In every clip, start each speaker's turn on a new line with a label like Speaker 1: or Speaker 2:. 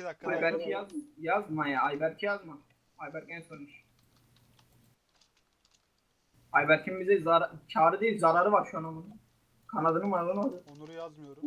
Speaker 1: dakika.
Speaker 2: Ayberk'i yazma ya. Ayberk'i yazma. Ayberk en sonmuş. Ayberk'in bize kârı değil zararı var şu an onun. Kanadını mı alamadı?
Speaker 1: Onur'u yazmıyorum.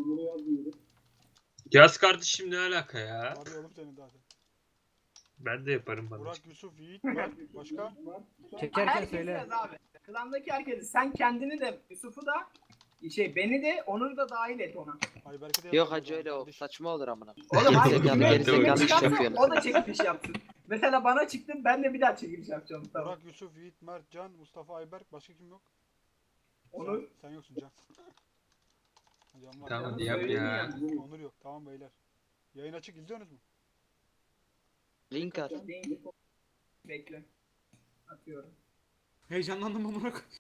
Speaker 3: Yaz kardeşim ne alaka ya?
Speaker 1: Arıyorum seni zaten.
Speaker 3: Ben de yaparım bana.
Speaker 1: Burak, Yusuf, Yiğit, Mert. Başka?
Speaker 4: Çekerken
Speaker 2: Herkes
Speaker 4: söyle.
Speaker 2: yaz abi. Klandaki herkesi. Sen kendini de Yusuf'u da beni de Onur'u da dahil et ona.
Speaker 1: Ayberk'e de
Speaker 5: Yok
Speaker 1: yazıyorum
Speaker 5: hacı öyle o.
Speaker 1: kardeşim.
Speaker 5: Saçma olur amına.
Speaker 2: Oğlum hayır.
Speaker 5: Gerizekalı,
Speaker 2: kime-
Speaker 5: gerizekalı
Speaker 2: kime
Speaker 5: iş
Speaker 2: çıkarsa
Speaker 5: yapıyorsunuz.
Speaker 2: O da çekiliş yapsın. Mesela bana çıktı ben de bir daha çekiliş yapacağım. Tamam.
Speaker 1: Burak, Yusuf, Yiğit, Mert, Can, Mustafa, Ayberk. Başka kim yok?
Speaker 2: Onur.
Speaker 1: Sen yoksun Can. Can var.
Speaker 3: Tamam
Speaker 2: Canım
Speaker 3: yap
Speaker 2: söyleyeyim
Speaker 3: ya.
Speaker 2: yani.
Speaker 1: Onur yok. Tamam beyler. Yayın açık, izliyorsunuz mu?
Speaker 5: Link at.
Speaker 2: Bekle. Atıyorum.
Speaker 4: Heyecanlandım amına koyayım.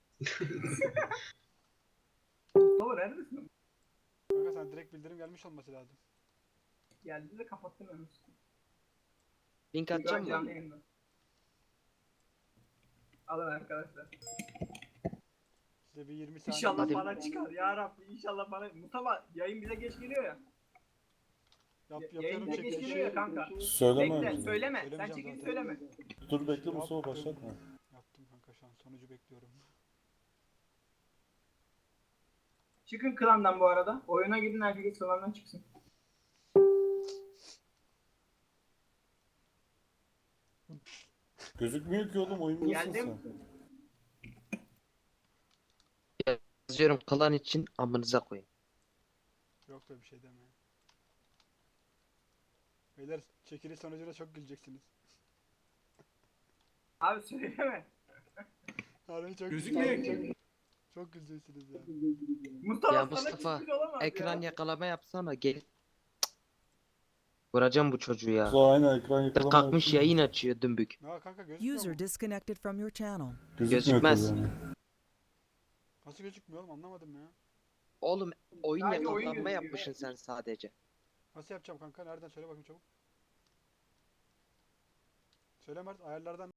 Speaker 2: Baba neredesin?
Speaker 1: Kanka sen direkt bildirim gelmiş olması lazım.
Speaker 2: Geldi de kapattım hemen.
Speaker 5: Link
Speaker 2: Şu an
Speaker 5: atacağım
Speaker 2: canlı
Speaker 5: mı?
Speaker 2: yayında. Alın arkadaşlar.
Speaker 1: Size bir 20 saniye.
Speaker 2: İnşallah
Speaker 5: Hadi.
Speaker 2: bana çıkar ya Rabbi. İnşallah bana. Mustafa yayın bize geç geliyor ya.
Speaker 1: Yapıyorum
Speaker 2: Yayın bize geç
Speaker 1: çekilişi.
Speaker 2: geliyor ya kanka.
Speaker 6: Söyleme
Speaker 2: Bekle
Speaker 6: önce.
Speaker 2: söyleme. Sen
Speaker 1: Söylemeyeceğim
Speaker 2: çekilişi
Speaker 1: zaten.
Speaker 2: söyleme.
Speaker 6: Dur bekle Mustafa başlatma.
Speaker 1: Yaptım kanka şu an. Sonucu bekliyorum.
Speaker 2: Çıkın klandan bu arada. Oyuna gidin herkes klandan çıksın.
Speaker 6: Gözükmüyor ki oğlum oyundasın
Speaker 2: Geldim.
Speaker 6: sen.
Speaker 5: Yazıyorum klan için amınıza koyun.
Speaker 1: Yok da bir şey deme. Beyler çekiliş sonucuna çok güleceksiniz.
Speaker 2: Abi söyleme.
Speaker 1: Harbi çok
Speaker 4: Gözükmüyor
Speaker 1: güleceksiniz.
Speaker 4: ki.
Speaker 1: Çok güleceksiniz ya.
Speaker 2: Mustafa
Speaker 5: Ya
Speaker 2: sana
Speaker 5: Mustafa,
Speaker 2: çıkmış olamaz
Speaker 5: Ekran
Speaker 2: ya.
Speaker 5: yakalama yapsana gel. Cık. Vuracağım bu çocuğu ya.
Speaker 6: Mustafa aynen ekran
Speaker 5: Dır
Speaker 6: yakalama
Speaker 5: kalkmış
Speaker 6: yapıyor.
Speaker 5: yayın açıyor dümbük.
Speaker 1: Ya kanka gözükmüyor mu?
Speaker 7: User disconnected from your channel.
Speaker 6: Gözükmüyor
Speaker 5: Gözükmez.
Speaker 6: tabii yani.
Speaker 1: Nasıl gözükmüyor oğlum, anlamadım ya.
Speaker 5: Oğlum oyun
Speaker 2: Sadece oyun
Speaker 5: yakalanma
Speaker 2: gözüküyor.
Speaker 5: yapmışsın sen sadece.
Speaker 1: Nasıl yapacağım kanka? Nereden söyle bakayım çabuk. Söyle Mert, ayarlardan